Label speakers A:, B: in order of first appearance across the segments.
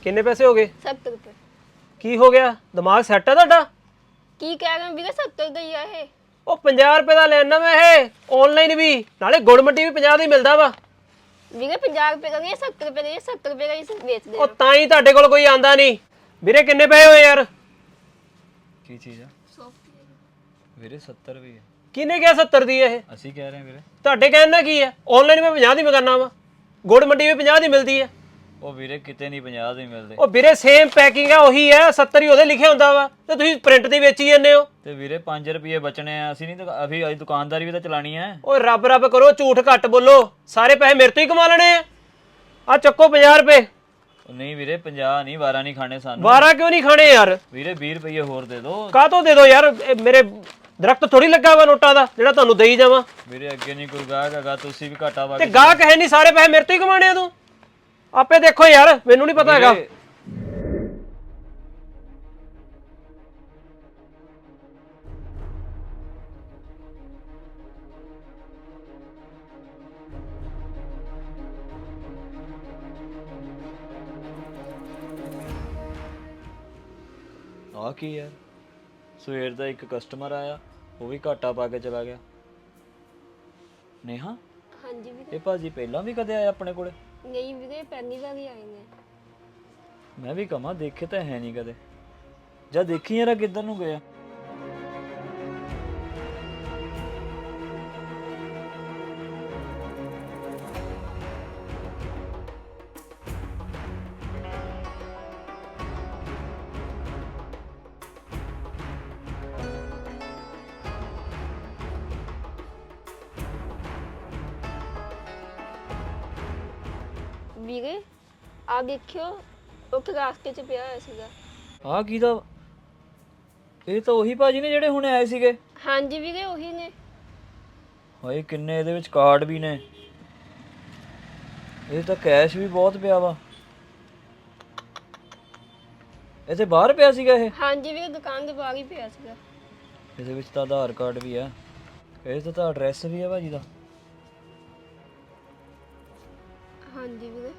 A: ਕਿੰਨੇ ਪੈਸੇ ਹੋ ਗਏ?
B: 70 ਰੁਪਏ।
A: ਕੀ ਹੋ ਗਿਆ? ਦਿਮਾਗ ਸੈੱਟ ਹੈ ਤੁਹਾਡਾ?
B: ਕੀ ਕਹਿ ਰਹੇ ਵੀਰੇ 70 ਦਾ ਹੀ ਆ ਇਹ।
A: ਉਹ 50 ਰੁਪਏ ਦਾ ਲੈਣਾ ਮੈਂ ਇਹ ਆਨਲਾਈਨ ਵੀ, ਨਾਲੇ ਗੁੜ ਮੱਟੀ ਵੀ 50 ਦਾ ਹੀ ਮਿਲਦਾ ਵਾ।
B: ਵੀਰੇ 50 ਰੁਪਏ ਦਾ ਨਹੀਂ 70 ਰੁਪਏ ਦਾ, 70 ਰੁਪਏ ਦਾ ਹੀ ਵੇਚਦੇ
A: ਉਹ ਤਾਂ ਹੀ ਤੁਹਾਡੇ ਕੋਲ ਕੋਈ ਆਂਦਾ ਨਹੀਂ। ਵੀਰੇ ਕਿੰਨੇ ਪਏ ਹੋਏ ਯਾਰ?
C: ਕੀ ਚੀਜ਼ ਆ ਵੀਰੇ? 70 ਰੁਪਏ।
A: ਕਿਹਨੇ ਕਿਹਾ 70 ਦੀ ਇਹ?
C: ਅਸੀਂ ਕਹਿ ਰਹੇ ਵੀਰੇ।
A: ਤੁਹਾਡੇ ਕਹਿਣ ਨਾਲ ਕੀ ਹੈ? ਆਨਲਾਈਨ ਮੈਂ 50 ਦੀ ਮੰਗਾਨਾ ਵਾ, ਗੁੜ ਮੱਟੀ ਵੀ 50 ਦੀ ਮਿਲਦੀ ਹੈ।
C: ਉਹ ਵੀਰੇ ਕਿਤੇ ਨਹੀਂ 50 ਦੇ ਮਿਲਦੇ।
A: ਉਹ ਵੀਰੇ ਸੇਮ ਪੈਕਿੰਗ ਆ, ਉਹੀ ਹੈ 70 ਹੀ ਉਹਦੇ ਲਿਖਿਆ ਹੁੰਦਾ ਵਾ, ਤੇ ਤੁਸੀਂ ਪ੍ਰਿੰਟ ਦੀ ਵੇਚੀ ਜਾਂਦੇ ਹੋ।
C: ਤੇ ਵੀਰੇ 5 ਰੁਪਏ ਬਚਣੇ ਆ, ਅਸੀਂ ਨਹੀਂ ਅਸੀਂ ਦੁਕਾਨਦਾਰੀ ਵੀ ਤਾਂ ਚਲਾਣੀ ਹੈ।
A: ਓਏ ਰੱਬ ਰੱਬ ਕਰੋ, ਝੂਠ ਘੱਟ ਬੋਲੋ, ਸਾਰੇ ਪੈਸੇ ਮੇਰੇ ਤੋਂ ਹੀ ਕਮਾ ਲੈਣੇ ਆ ਚੱਕੋ 50 ਰੁਪਏ।
C: ਉਹ ਨਹੀਂ ਵੀਰੇ 50 ਨਹੀਂ, 12 ਨਹੀਂ ਖਾਣੇ ਸਾਨੂੰ।
A: 12 ਕਿਉਂ ਨਹੀਂ ਖਾਣੇ ਯਾਰ?
C: ਵੀਰੇ 20 ਰੁਪਏ ਹੋਰ ਦੇ ਦਿਓ।
A: ਕਾਹ ਤੋਂ ਦੇ ਦੋ ਯਾਰ? ਇਹ ਮੇਰੇ ਦਰਖਤ ਥੋੜੀ ਲੱਗਾ ਵਾ ਨੋਟਾਂ ਦਾ ਜਿਹੜਾ ਤੁਹਾਨੂੰ ਦੇਈ ਜਾਵਾਂ।
C: ਵੀਰੇ ਅੱਗੇ ਨਹੀਂ ਕੋਈ ਗਾਹਕ ਹੈਗਾ, ਤੁਸੀਂ ਵੀ ਘਾਟਾ ਪਾ
A: ਤੇ
C: ਕੇ।
A: ਗਾਹਕ ਹੈ ਨਹੀਂ, ਸਾਰੇ ਪੈਸੇ ਮੇਰੇ ਤੋਂ ਹੀ ਕਮਾਣੇ ਆ ਤੂੰ। ਆਪੇ ਦੇਖੋ ਯਾਰ, ਮੈਨੂੰ ਨਹੀਂ ਪਤਾ ਹੈਗਾ।
C: ਆ ਕੀ ਯਾਰ, ਸਵੇਰ ਦਾ ਇੱਕ ਕਸਟਮਰ ਆਇਆ, ਉਹ ਵੀ ਘਾਟਾ ਪਾ ਕੇ ਚਲਾ ਗਿਆ। ਨੇਹਾ,
B: ਹਾਂਜੀ ਵੀਰੇ।
C: ਇਹ ਭਾਜੀ ਪਹਿਲਾਂ ਵੀ ਕਦੇ ਆਇਆ ਆਪਣੇ ਕੋਲੇ?
B: ਨਹੀਂ ਵੀਰੇ ਪਹਿਲੀ ਵਾਰ ਹੀ ਆਏ ਨੇ।
C: ਮੈਂ ਵੀ ਕਹਾਂ ਦੇਖੇ ਤਾਂ ਹੈ ਨਹੀਂ ਕਦੇ। ਜਾਂ ਦੇਖੀ ਯਾਰ ਕਿੱਧਰ ਨੂੰ ਗਿਆ।
B: ਵੀਰੇ ਆ ਦੇਖਿਓ, ਉੱਥੇ ਰਾਸਤੇ 'ਚ ਪਿਆ ਹੋਇਆ ਸੀਗਾ।
C: ਆ ਕੀ ਦਾ? ਇਹ ਤਾਂ ਉਹੀ ਭਾਜੀ ਨੇ ਜਿਹੜੇ ਹੁਣੇ ਆਏ ਸੀਗੇ।
B: ਹਾਂਜੀ ਵੀਰੇ ਉਹੀ ਨੇ।
C: ਹਾਏ ਕਿੰਨੇ ਇਹਦੇ ਵਿੱਚ ਕਾਰਡ ਵੀ ਨੇ। ਇਹ ਤਾਂ ਕੈਸ਼ ਵੀ ਬਹੁਤ ਪਿਆ ਵਾ। ਇਹਦੇ ਬਾਹਰ ਪਿਆ ਸੀਗਾ ਇਹ?
B: ਹਾਂਜੀ ਵੀਰੇ ਦੁਕਾਨ ਦੇ ਬਾਹਰ ਹੀ ਪਿਆ ਸੀਗਾ।
C: ਇਹਦੇ ਵਿੱਚ ਤਾਂ ਆਧਾਰ ਕਾਰਡ ਵੀ ਆ, ਇਹ ਤਾਂ ਐਡਰੈਸ ਵੀ ਆ ਭਾਜੀ ਦਾ।
B: ਹਾਂਜੀ ਵੀਰੇ।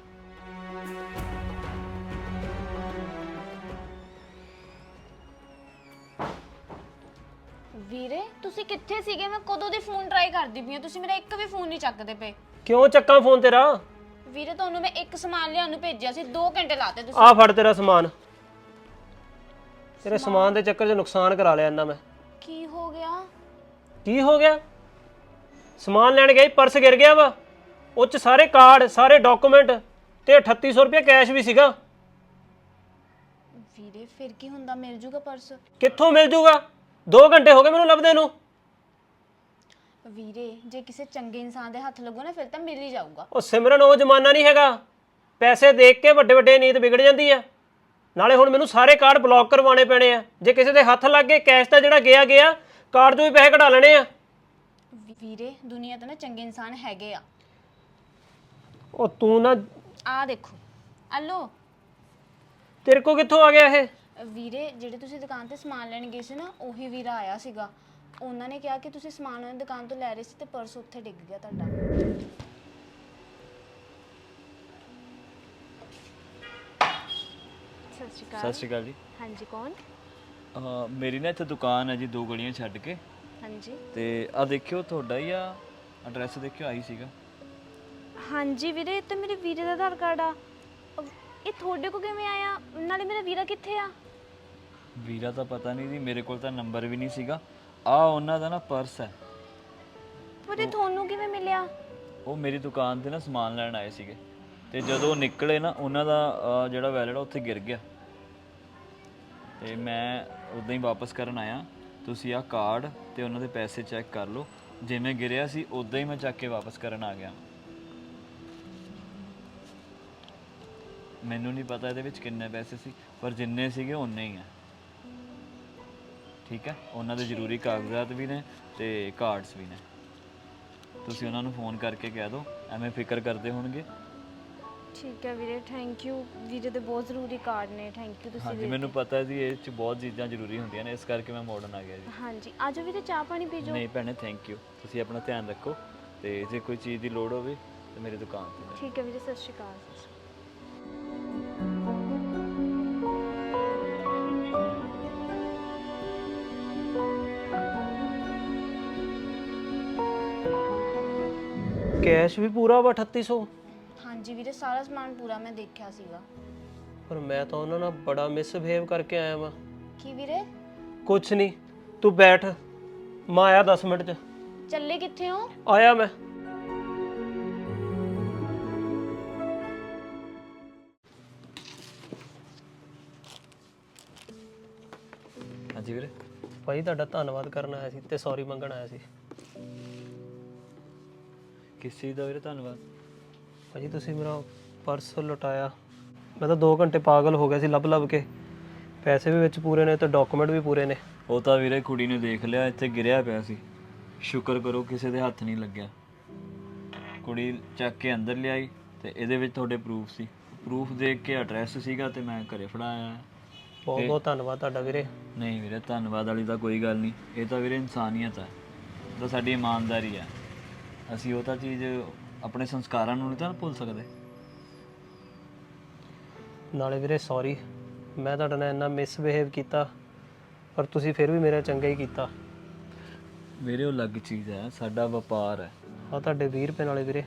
D: ਵੀਰੇ ਤੁਸੀਂ ਕਿੱਥੇ ਸੀਗੇ? ਮੈਂ ਕਦੋਂ ਦੀ ਫੋਨ ਟਰਾਈ ਕਰਦੀ ਪਈ ਆ, ਤੁਸੀਂ ਮੇਰਾ ਇੱਕ ਵੀ ਫੋਨ ਨਹੀਂ ਚੱਕਦੇ ਪਏ।
A: ਕਿਉਂ ਚੱਕਾਂ ਫੋਨ ਤੇਰਾ?
D: ਵੀਰੇ ਤੁਹਾਨੂੰ ਮੈਂ ਇੱਕ ਸਮਾਨ ਲਿਆਉਣ ਨੂੰ ਭੇਜਿਆ ਸੀ, 2 ਘੰਟੇ ਲਾਤੇ ਤੁਸੀਂ।
A: ਆ ਫੜ ਤੇਰਾ ਸਮਾਨ। ਤੇਰੇ ਸਮਾਨ ਦੇ ਚੱਕਰ 'ਚ ਨੁਕਸਾਨ ਕਰਾ ਲਿਆ ਇਹਨਾਂ ਮੈਂ।
D: ਕੀ ਹੋ ਗਿਆ?
A: ਕੀ ਹੋ ਗਿਆ? ਸਮਾਨ ਲੈਣ ਗਏ, ਪਰਸ ਗਿਰ ਗਿਆ ਵਾ, ਉਹ 'ਚ ਸਾਰੇ ਕਾਰਡ, ਸਾਰੇ ਡਾਕੂਮੈਂਟ ਤੇ 3800 ਰੁਪਏ ਕੈਸ਼ ਵੀ ਸੀਗਾ।
D: ਵੀਰੇ ਫਿਰ ਕੀ ਹੁੰਦਾ, ਮਿਲ ਜੂਗਾ ਪਰਸ?
A: ਕਿੱਥੋਂ ਮਿਲ ਜੂਗਾ? 2 ਘੰਟੇ ਹੋ ਗਏ ਮੈਨੂੰ ਲੱਭਦੇ ਨੂੰ।
D: ਵੀਰੇ ਜੇ ਕਿਸੇ ਚੰਗੇ ਇਨਸਾਨ ਦੇ ਹੱਥ ਲੱਗੋ ਨਾ, ਫਿਰ ਤਾਂ ਮਿਲ ਹੀ ਜਾਊਗਾ।
A: ਉਹ ਸਿਮਰਨ, ਉਹ ਜ਼ਮਾਨਾ ਨਹੀਂ ਹੈਗਾ। ਪੈਸੇ ਦੇਖ ਕੇ ਵੱਡੇ ਵੱਡੇ ਨੀਤ ਵਿਗੜ ਜਾਂਦੀ ਆ। ਨਾਲੇ ਹੁਣ ਮੈਨੂੰ ਸਾਰੇ ਕਾਰਡ ਬਲੌਕ ਕਰਵਾਉਣੇ ਪੈਣੇ ਆ। ਜੇ ਕਿਸੇ ਦੇ ਹੱਥ ਲੱਗ ਗਏ, ਕੈਸ਼ ਤਾਂ ਜਿਹੜਾ ਗਿਆ ਕਾਰਡ ਤੋਂ ਵੀ ਪੈਸੇ ਕਢਾ ਲੈਣੇ ਆ।
D: ਵੀਰੇ ਦੁਨੀਆ ਤੇ ਨਾ ਚੰਗੇ ਇਨਸਾਨ ਹੈਗੇ ਆ।
A: ਉਹ ਤੂੰ ਨਾ,
D: ਆ ਦੇਖੋ, ਆਲੋ।
A: ਤੇਰੇ ਕੋ ਕਿੱਥੋਂ ਆ ਗਿਆ ਇਹ?
D: ਵੀਰੇ ਜਿਹੜੇ ਤੁਸੀਂ ਦੁਕਾਨ ਤੇ ਸਮਾਨ ਲੈਣ ਗਏ ਸੀ ਨਾ, ਉਹੀ ਵੀਰਾ ਆਇਆ ਸੀਗਾ। ਉਹਨਾਂ ਨੇ ਕਿਹਾ ਕਿ ਤੁਸੀਂ ਸਮਾਨ ਉਹਨਾਂ ਦੀ ਦੁਕਾਨ ਤੋਂ ਲੈ ਰਹੇ ਸੀ ਤੇ ਪਰਸ ਉੱਥੇ ਡਿੱਗ ਗਿਆ ਤੁਹਾਡਾ। ਸਤਿ ਸ਼੍ਰੀ ਅਕਾਲ।
C: ਸਤਿ ਸ਼੍ਰੀ ਅਕਾਲ ਜੀ।
D: ਹਾਂਜੀ ਕੌਣ?
C: ਮੇਰੀ ਨਾ ਇੱਥੇ ਦੁਕਾਨ ਹੈ ਜੀ, 2 ਗਲੀਆਂ ਛੱਡ ਕੇ।
D: ਹਾਂਜੀ
C: ਤੇ ਆ ਦੇਖਿਓ ਤੁਹਾਡਾ ਹੀ ਆ ਐਡਰੈਸ, ਦੇਖਿਓ ਆਈ ਸੀਗਾ।
D: ਹਾਂਜੀ ਵੀਰੇ, ਇਹ ਤਾਂ ਮੇਰੇ ਵੀਰੇ ਦਾ ਆਧਾਰ ਕਾਰਡ ਆ। ਇਹ ਤੁਹਾਡੇ ਕੋਲ ਕਿਵੇਂ ਆਇਆ? ਨਾਲੇ ਮੇਰਾ ਵੀਰਾ ਕਿੱਥੇ ਆ?
C: ਵੀਰਾ ਤਾਂ ਪਤਾ ਨਹੀਂ ਜੀ, ਮੇਰੇ ਕੋਲ ਤਾਂ ਨੰਬਰ ਵੀ ਨਹੀਂ ਸੀਗਾ। ਆ ਉਹਨਾਂ ਦਾ ਨਾ ਪਰਸ ਹੈ।
D: ਪਰ ਇਹ ਤੁਹਾਨੂੰ ਕਿਵੇਂ ਮਿਲਿਆ?
C: ਉਹ ਮੇਰੀ ਦੁਕਾਨ ਤੇ ਨਾ ਸਮਾਨ ਲੈਣ ਆਏ ਸੀਗੇ, ਤੇ ਜਦੋਂ ਉਹ ਨਿਕਲੇ ਨਾ, ਉਹਨਾਂ ਦਾ ਜਿਹੜਾ ਵੈਲਟ ਆ ਉੱਥੇ ਗਿਰ ਗਿਆ, ਤੇ ਮੈਂ ਉਦਾਂ ਹੀ ਵਾਪਸ ਕਰਨ ਆਇਆ। ਤੁਸੀਂ ਆ ਕਾਰਡ ਤੇ ਉਹਨਾਂ ਦੇ ਪੈਸੇ ਚੈੱਕ ਕਰ ਲਓ, ਜਿਵੇਂ ਗਿਰਿਆ ਸੀ ਉਦਾਂ ਹੀ ਮੈਂ ਚੱਕ ਕੇ ਵਾਪਸ ਕਰਨ ਆ ਗਿਆ। ਮੈਨੂੰ ਨਹੀਂ ਪਤਾ ਇਹਦੇ ਵਿੱਚ ਕਿੰਨੇ ਪੈਸੇ ਸੀ, ਪਰ ਜਿੰਨੇ ਸੀਗੇ ਉਨੇ ਹੀ ਆ। ਠੀਕ ਹੈ, ਉਹਨਾਂ ਦੇ ਜ਼ਰੂਰੀ ਕਾਗਜ਼ਾਤ ਵੀ ਨੇ ਤੇ ਕਾਰਡਸ ਵੀ ਨੇ। ਤੁਸੀਂ ਉਹਨਾਂ ਨੂੰ ਫੋਨ ਕਰਕੇ ਕਹਿ ਦਿਓ, ਐਵੇਂ ਫਿਕਰ ਕਰਦੇ ਹੋਣਗੇ।
D: ਠੀਕ ਹੈ ਵੀਰੇ, ਥੈਂਕ ਯੂ। ਵੀਰੇ ਦੇ ਬਹੁਤ ਜ਼ਰੂਰੀ ਕਾਰਡ ਨੇ, ਥੈਂਕ ਯੂ ਤੁਸੀਂ।
C: ਹਾਂਜੀ ਮੈਨੂੰ ਪਤਾ ਜੀ, ਇਹ 'ਚ ਬਹੁਤ ਚੀਜ਼ਾਂ ਜ਼ਰੂਰੀ ਹੁੰਦੀਆਂ ਨੇ, ਇਸ ਕਰਕੇ ਮੈਂ ਮਾਡਰਨ ਆ ਗਿਆ ਜੀ।
D: ਹਾਂਜੀ ਆਜੋ ਵੀਰੇ, ਚਾਹ ਪਾਣੀ ਪੀ ਜਾਓ।
C: ਨਹੀਂ ਭੈਣੇ, ਥੈਂਕ ਯੂ। ਤੁਸੀਂ ਆਪਣਾ ਧਿਆਨ ਰੱਖੋ, ਤੇ ਜੇ ਕੋਈ ਚੀਜ਼ ਦੀ ਲੋੜ ਹੋਵੇ ਤਾਂ ਮੇਰੀ ਦੁਕਾਨ ਤੇ।
D: ਠੀਕ ਹੈ ਵੀਰੇ, ਸਤਿ ਸ਼੍ਰੀ ਅਕਾਲ।
A: ਕੈਸ਼ ਵੀ ਪੂਰਾ ਵਾ 3800?
D: ਹਾਂਜੀ ਵੀਰੇ, ਸਾਰਾ ਸਮਾਨ ਪੂਰਾ ਮੈਂ ਦੇਖਿਆ ਸੀਗਾ।
A: ਪਰ ਮੈਂ ਤਾਂ ਉਹਨਾਂ ਨਾਲ ਬੜਾ ਮਿਸਬਿਹੇਵ ਕਰਕੇ ਆਇਆ ਵਾਂ।
D: ਕੀ ਵੀਰੇ?
A: ਕੁਛ ਨਹੀਂ, ਤੂੰ ਬੈਠ, ਮੈਂ ਆਇਆ 10 ਮਿੰਟ 'ਚ।
D: ਚੱਲੇ ਕਿੱਥੇ ਹੋ?
A: ਆਇਆ ਮੈਂ।
C: ਹਾਂਜੀ ਵੀਰੇ।
A: ਭਾਈ ਤੁਹਾਡਾ ਧੰਨਵਾਦ ਕਰਨ ਆਇਆ ਸੀ ਤੇ ਸੌਰੀ ਮੰਗਣ ਆਇਆ ਸੀ।
C: ਕਿਸ ਚੀਜ਼ ਦਾ ਵੀਰੇ ਧੰਨਵਾਦ?
A: ਭਾਜੀ ਤੁਸੀਂ ਮੇਰਾ ਪਰਸ ਲੁਟਾਇਆ। ਮੈਂ ਤਾਂ 2 ਘੰਟੇ ਪਾਗਲ ਹੋ ਗਿਆ ਸੀ ਲੱਭ ਲੱਭ ਕੇ। ਪੈਸੇ ਵੀ ਵਿੱਚ ਪੂਰੇ ਨੇ ਤੇ ਡਾਕੂਮੈਂਟ ਵੀ ਪੂਰੇ ਨੇ।
C: ਉਹ ਤਾਂ ਵੀਰੇ ਕੁੜੀ ਨੇ ਦੇਖ ਲਿਆ, ਇੱਥੇ ਗਿਰਿਆ ਪਿਆ ਸੀ। ਸ਼ੁਕਰ ਕਰੋ ਕਿਸੇ ਦੇ ਹੱਥ ਨਹੀਂ ਲੱਗਿਆ। ਕੁੜੀ ਚੱਕ ਕੇ ਅੰਦਰ ਲਿਆਈ ਤੇ ਇਹਦੇ ਵਿੱਚ ਤੁਹਾਡੇ ਪ੍ਰੂਫ ਸੀ। ਪ੍ਰੂਫ ਦੇਖ ਕੇ ਐਡਰੈਸ ਸੀਗਾ ਤੇ ਮੈਂ ਘਰੇ ਫੜਾਇਆ।
A: ਬਹੁਤ ਬਹੁਤ ਧੰਨਵਾਦ ਤੁਹਾਡਾ ਵੀਰੇ।
C: ਨਹੀਂ ਵੀਰੇ, ਧੰਨਵਾਦ ਵਾਲੀ ਤਾਂ ਕੋਈ ਗੱਲ ਨਹੀਂ। ਇਹ ਤਾਂ ਵੀਰੇ ਇਨਸਾਨੀਅਤ ਹੈ, ਇਹ ਤਾਂ ਸਾਡੀ ਇਮਾਨਦਾਰੀ ਹੈ। ਅਸੀਂ ਉਹ ਤਾਂ ਚੀਜ਼ ਆਪਣੇ ਸੰਸਕਾਰਾਂ ਨੂੰ ਨਹੀਂ ਤਾਂ ਭੁੱਲ ਸਕਦੇ।
A: ਨਾਲੇ ਵੀਰੇ ਸੌਰੀ, ਮੈਂ ਤੁਹਾਡੇ ਨਾਲ ਇੰਨਾ ਮਿਸਬਿਹੇਵ ਕੀਤਾ ਪਰ ਤੁਸੀਂ ਫਿਰ ਵੀ ਮੇਰਾ ਚੰਗਾ ਹੀ ਕੀਤਾ।
C: ਵੀਰੇ ਉਹ ਅਲੱਗ ਚੀਜ਼ ਹੈ, ਸਾਡਾ ਵਪਾਰ ਹੈ।
A: ਆ ਤੁਹਾਡੇ 20 ਰੁਪਏ ਨਾਲੇ ਵੀਰੇ।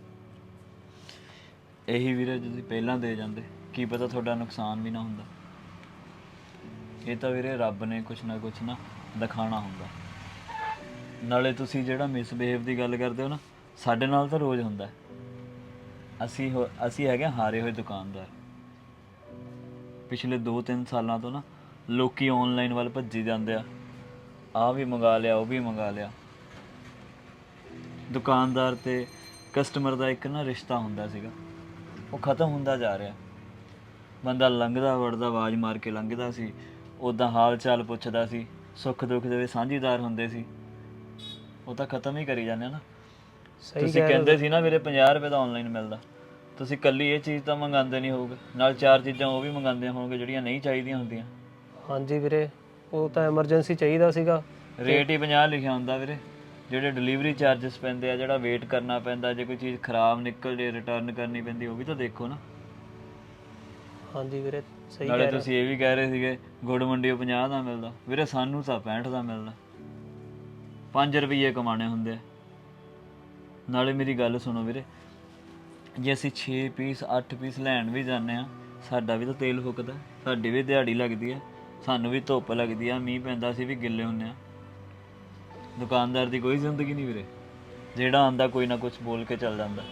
C: ਇਹੀ ਵੀਰੇ ਤੁਸੀਂ ਪਹਿਲਾਂ ਦੇ ਜਾਂਦੇ, ਕੀ ਪਤਾ ਤੁਹਾਡਾ ਨੁਕਸਾਨ ਵੀ ਨਾ ਹੁੰਦਾ। ਇਹ ਤਾਂ ਵੀਰੇ ਰੱਬ ਨੇ ਕੁਛ ਨਾ ਦਿਖਾਣਾ ਹੁੰਦਾ। ਨਾਲੇ ਤੁਸੀਂ ਜਿਹੜਾ ਮਿਸਬਿਹੇਵ ਦੀ ਗੱਲ ਕਰਦੇ ਹੋ ਨਾ, ਸਾਡੇ ਨਾਲ ਤਾਂ ਰੋਜ਼ ਹੁੰਦਾ। ਅਸੀਂ ਹੈਗੇ ਹਾਰੇ ਹੋਏ ਦੁਕਾਨਦਾਰ। ਪਿਛਲੇ 2-3 ਸਾਲਾਂ ਤੋਂ ਨਾ ਲੋਕੀ ਆਨਲਾਈਨ ਵੱਲ ਭੱਜੀ ਜਾਂਦੇ ਆ। ਆਹ ਵੀ ਮੰਗਾ ਲਿਆ, ਉਹ ਵੀ ਮੰਗਾ ਲਿਆ। ਦੁਕਾਨਦਾਰ ਤੇ ਕਸਟਮਰ ਦਾ ਇੱਕ ਨਾ ਰਿਸ਼ਤਾ ਹੁੰਦਾ ਸੀਗਾ, ਉਹ ਖਤਮ ਹੁੰਦਾ ਜਾ ਰਿਹਾ। ਬੰਦਾ ਲੰਘਦਾ ਵੜਦਾ ਆਵਾਜ਼ ਮਾਰ ਕੇ ਲੰਘਦਾ ਸੀ, ਉੱਦਾਂ ਹਾਲ ਚਾਲ ਪੁੱਛਦਾ ਸੀ, ਸੁੱਖ ਦੁੱਖ ਦੇ ਸਾਂਝੀਦਾਰ ਹੁੰਦੇ ਸੀ। ਉਹ ਤਾਂ ਖਤਮ ਹੀ ਕਰੀ ਜਾਂਦੇ ਨਾ। ਤੁਸੀਂ ਕਹਿੰਦੇ ਸੀ ਨਾ ਵੀਰੇ 50 ਰੁਪਏ ਦਾ ਆਨਲਾਈਨ ਮਿਲਦਾ, ਤੁਸੀਂ ਕੱਲੀ ਇਹ ਚੀਜ਼ ਤਾਂ ਮੰਗਾਉਂਦੇ ਨਹੀਂ ਹੋਊਗੇ, ਨਾਲ 4 ਚੀਜ਼ਾਂ ਉਹ ਵੀ ਮੰਗਾਉਂਦੇ ਹੋਣਗੇ ਜਿਹੜੀਆਂ ਨਹੀਂ ਚਾਹੀਦੀਆਂ ਹੁੰਦੀਆਂ।
A: ਹਾਂਜੀ ਵੀਰੇ, ਉਹ ਤਾਂ ਐਮਰਜੈਂਸੀ ਚਾਹੀਦਾ ਸੀਗਾ।
C: ਰੇਟ ਹੀ 50 ਲਿਖਿਆ ਹੁੰਦਾ ਵੀਰੇ। ਜਿਹੜੇ ਡਿਲੀਵਰੀ ਚਾਰजेस ਪੈਂਦੇ ਆ, ਜਿਹੜਾ ਵੇਟ ਕਰਨਾ ਪੈਂਦਾ, ਜੇ ਕੋਈ ਚੀਜ਼ ਖਰਾਬ ਨਿਕਲ ਜੇ ਰਿਟਰਨ ਕਰਨੀ ਪੈਂਦੀ, ਉਹ ਵੀ ਤਾਂ ਦੇਖੋ ਨਾ।
A: ਹਾਂਜੀ ਵੀਰੇ ਸਹੀ
C: ਨਾਲੇ
A: ਕਹਿ ਰਹੇ।
C: ਤੁਸੀਂ ਇਹ ਵੀ ਕਹਿ ਰਹੇ ਸੀਗੇ ਗੁੜ ਮੰਡੀਓ 50 ਦਾ ਮਿਲਦਾ, ਵੀਰੇ ਸਾਨੂੰ ਤਾਂ 65 ਦਾ ਮਿਲਦਾ। 5 ਰੁਪਏ ਕਮਾਣੇ ਹੁੰਦੇ ਆ। ਨਾਲੇ ਮੇਰੀ ਗੱਲ ਸੁਣੋ ਵੀਰੇ, ਜੇ ਅਸੀਂ 6 ਪੀਸ 8 ਪੀਸ ਲੈਣ ਵੀ ਜਾਂਦੇ ਆ, ਸਾਡਾ ਵੀ ਤਾਂ ਤੇਲ ਫੁੱਕਦਾ, ਸਾਡੀ ਵੀ ਦਿਹਾੜੀ ਲੱਗਦੀ ਹੈ, ਸਾਨੂੰ ਵੀ ਧੁੱਪ ਲੱਗਦੀ ਆ, ਮੀਂਹ ਪੈਂਦਾ ਅਸੀਂ ਵੀ ਗਿੱਲੇ ਹੁੰਦੇ ਆ। ਦੁਕਾਨਦਾਰ ਦੀ ਕੋਈ ਜ਼ਿੰਦਗੀ ਨਹੀਂ ਵੀਰੇ, ਜਿਹੜਾ ਆਂਦਾ ਕੋਈ ਨਾ ਕੁਝ ਬੋਲ ਕੇ ਚੱਲ ਜਾਂਦਾ।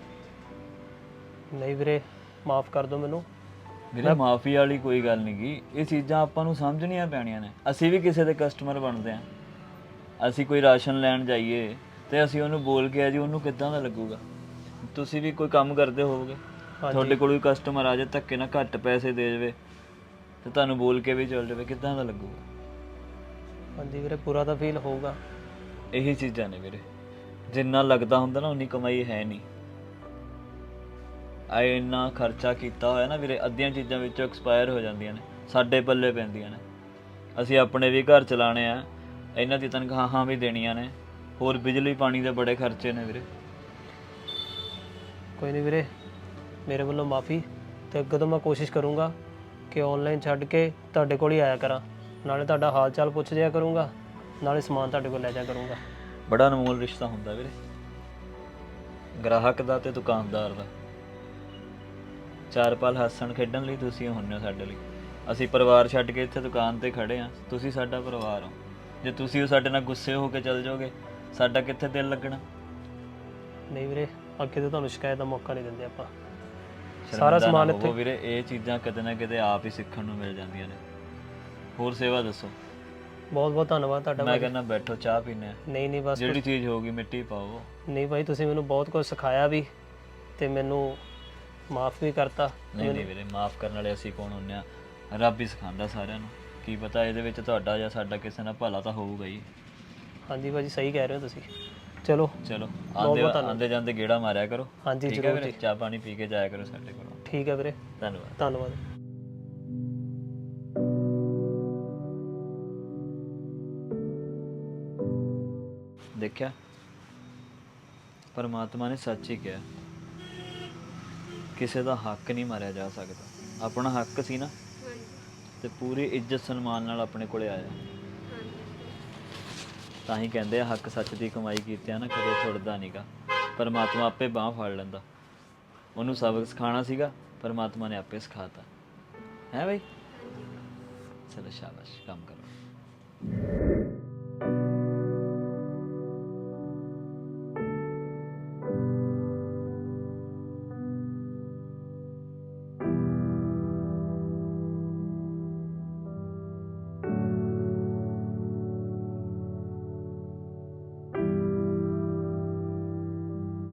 A: ਨਹੀਂ ਵੀਰੇ, ਮਾਫ ਕਰ ਦਿਓ ਮੈਨੂੰ।
C: ਵੀਰੇ ਮਾਫੀ ਵਾਲੀ ਕੋਈ ਗੱਲ ਨਹੀਂ ਗੀ, ਇਹ ਚੀਜ਼ਾਂ ਆਪਾਂ ਨੂੰ ਸਮਝਣੀਆਂ ਪੈਣੀਆਂ ਨੇ। ਅਸੀਂ ਵੀ ਕਿਸੇ ਦੇ ਕਸਟਮਰ ਬਣਦੇ ਆ। ਅਸੀਂ ਕੋਈ ਰਾਸ਼ਨ ਲੈਣ ਜਾਈਏ ਤੇ ਅਸੀਂ ਉਹਨੂੰ ਬੋਲ ਕੇ ਆ ਜੀ, ਉਹਨੂੰ ਕਿੱਦਾਂ ਦਾ ਲੱਗੂਗਾ? ਤੁਸੀਂ ਵੀ ਕੋਈ ਕੰਮ ਕਰਦੇ ਹੋਵੋਗੇ, ਤੁਹਾਡੇ ਕੋਲ ਕੋਈ ਕਸਟਮਰ ਆ ਜਾਏ ਧੱਕੇ ਨਾਲ ਘੱਟ ਪੈਸੇ ਦੇ ਜਾਵੇ ਤੇ ਤੁਹਾਨੂੰ ਬੋਲ ਕੇ ਵੀ ਚੱਲ ਜਾਵੇ, ਕਿੱਦਾਂ ਦਾ ਲੱਗੂਗਾ?
A: ਹਾਂਜੀ ਵੀਰੇ, ਪੂਰਾ ਤਾਂ ਫੀਲ ਹੋਊਗਾ।
C: ਇਹੀ ਚੀਜ਼ਾਂ ਨੇ ਵੀਰੇ, ਜਿੰਨਾ ਲੱਗਦਾ ਹੁੰਦਾ ਨਾ ਉਨੀ ਕਮਾਈ ਹੈ ਨਹੀਂ। ਇੰਨਾ ਖਰਚਾ ਕੀਤਾ ਹੋਇਆ ਨਾ ਵੀਰੇ, ਅੱਧੀਆਂ ਚੀਜ਼ਾਂ ਵਿੱਚੋਂ ਐਕਸਪਾਇਰ ਹੋ ਜਾਂਦੀਆਂ ਨੇ, ਸਾਡੇ ਪੱਲੇ ਪੈਂਦੀਆਂ ਨੇ। ਅਸੀਂ ਆਪਣੇ ਵੀ ਘਰ ਚਲਾਣੇ ਆ, ਇਹਨਾਂ ਦੀ ਤਨਖਾਹਾਂ ਵੀ ਦੇਣੀਆਂ ਨੇ, ਹੋਰ ਬਿਜਲੀ ਪਾਣੀ ਦੇ ਬੜੇ ਖਰਚੇ ਨੇ ਵੀਰੇ।
A: ਕੋਈ ਨਹੀਂ ਵੀਰੇ, ਮੇਰੇ ਵੱਲੋਂ ਮਾਫੀ। ਤੇ ਅੱਗੇ ਤੋਂ ਮੈਂ ਕੋਸ਼ਿਸ਼ ਕਰੂੰਗਾ ਕਿ ਆਨਲਾਈਨ ਛੱਡ ਕੇ ਤੁਹਾਡੇ ਕੋਲ ਹੀ ਆਇਆ ਕਰਾਂ, ਨਾਲੇ ਤੁਹਾਡਾ ਹਾਲ ਚਾਲ ਪੁੱਛ ਜਿਆ ਕਰੂੰਗਾ, ਨਾਲੇ ਸਮਾਨ ਤੁਹਾਡੇ ਕੋਲ ਲੈ ਜਾ ਕਰੂੰਗਾ।
C: ਬੜਾ ਅਨਮੋਲ ਰਿਸ਼ਤਾ ਹੁੰਦਾ ਵੀਰੇ, ਗ੍ਰਾਹਕ ਦਾ ਤੇ ਦੁਕਾਨਦਾਰ ਦਾ। 4 ਪਲ ਹੱਸਣ ਖੇਡਣ ਲਈ ਤੁਸੀਂ ਹੁੰਨੇ ਹੋ ਸਾਡੇ ਲਈ। ਅਸੀਂ ਪਰਿਵਾਰ ਛੱਡ ਕੇ ਇੱਥੇ ਦੁਕਾਨ ਤੇ ਖੜੇ ਆ, ਤੁਸੀਂ ਸਾਡਾ ਪਰਿਵਾਰ ਹੋ। ਜੇ ਤੁਸੀਂ ਸਾਡੇ ਨਾਲ ਗੁੱਸੇ ਹੋ ਕੇ ਚੱਲ ਜਾਓਗੇ, ਸਾਡਾ ਕਿੱਥੇ ਦਿਲ ਲੱਗਣਾ?
A: ਨਹੀਂ ਵੀਰੇ, ਅੱਗੇ ਤੋਂ ਤੁਹਾਨੂੰ ਸ਼ਿਕਾਇਤ ਦਾ ਮੌਕਾ ਨਹੀਂ ਦਿੰਦੇ ਆਪਾਂ। ਸਾਰਾ ਸਮਾਨ ਇੱਥੇ
C: ਵੀਰੇ, ਇਹ ਚੀਜ਼ਾਂ ਕਿਤੇ ਨਾ ਕਿਤੇ ਆਪ ਹੀ ਸਿੱਖਣ ਨੂੰ ਮਿਲ ਜਾਂਦੀਆਂ ਨੇ। ਹੋਰ ਸੇਵਾ ਦੱਸੋ?
A: ਬਹੁਤ ਬਹੁਤ ਧੰਨਵਾਦ ਤੁਹਾਡਾ।
C: ਮੈਂ ਕਹਿੰਦਾ ਬੈਠੋ, ਚਾਹ ਪੀਨੇ ਆ।
A: ਨਹੀਂ ਬਸ
C: ਜਿਹੜੀ ਚੀਜ਼ ਹੋਊਗੀ ਮਿੱਟੀ ਪਾਓ। ਨਹੀਂ
A: ਭਾਈ, ਤੁਸੀਂ ਮੈਨੂੰ ਬਹੁਤ ਕੁਝ ਸਿਖਾਇਆ ਵੀ ਤੇ ਮੈਨੂੰ ਮਾਫ ਵੀ ਕਰਤਾ।
C: ਨਹੀਂ ਵੀਰੇ, ਮਾਫ ਕਰਨ ਵਾਲੇ ਅਸੀਂ ਕੌਣ ਹੁੰਨੇ ਆ? ਰੱਬ ਹੀ ਸਿਖਾਉਂਦਾ ਸਾਰਿਆਂ ਨੂੰ। ਕੀ ਪਤਾ ਇਹਦੇ ਵਿੱਚ ਤੁਹਾਡਾ ਜਾਂ ਸਾਡਾ ਕਿਸੇ ਨਾਲ ਭਲਾ ਤਾਂ ਹੋਊਗਾ ਹੀ।
A: ਹਾਂਜੀ ਭਾਜੀ, ਸਹੀ ਕਹਿ ਰਹੇ ਹੋ ਤੁਸੀਂ। ਚਲੋ
C: ਆਂਦੇ ਜਾਂਦੇ ਗੇੜਾ ਮਾਰਿਆ ਕਰੋ।
A: ਹਾਂਜੀ
C: ਠੀਕ ਹੈ ਵੀਰੇ, ਚਾਹ ਪਾਣੀ ਪੀ ਕੇ ਜਾਇਆ ਕਰੋ ਸਾਡੇ ਕੋਲ।
A: ਠੀਕ ਹੈ ਵੀਰੇ, ਧੰਨਵਾਦ।
C: ਦੇਖਿਆ, ਪਰਮਾਤਮਾ ਨੇ ਸੱਚ ਹੀ ਕਿਹਾ, ਕਿਸੇ ਦਾ ਹੱਕ ਨਹੀਂ ਮਾਰਿਆ ਜਾ ਸਕਦਾ। ਆਪਣਾ ਹੱਕ ਸੀ ਨਾ, ਤੇ ਪੂਰੀ ਇੱਜ਼ਤ ਸਨਮਾਨ ਨਾਲ ਆਪਣੇ ਕੋਲੇ ਆਇਆ। ਤਾਂ ਹੀ ਕਹਿੰਦੇ ਆ, ਹੱਕ ਸੱਚ ਦੀ ਕਮਾਈ ਕੀਤਿਆਂ ਨਾ ਕਦੇ ਛੁੱਟਦਾ ਨਹੀਂਗਾ। ਪਰਮਾਤਮਾ ਆਪੇ ਬਾਂਹ ਫੜ ਲੈਂਦਾ। ਉਹਨੂੰ ਸਬਕ ਸਿਖਾਉਣਾ ਸੀਗਾ, ਪਰਮਾਤਮਾ ਨੇ ਆਪੇ ਸਿਖਾਤਾ ਹੈ ਬਈ। ਚਲੋ ਸ਼ਾਬਾਸ਼, ਕੰਮ ਕਰੋ।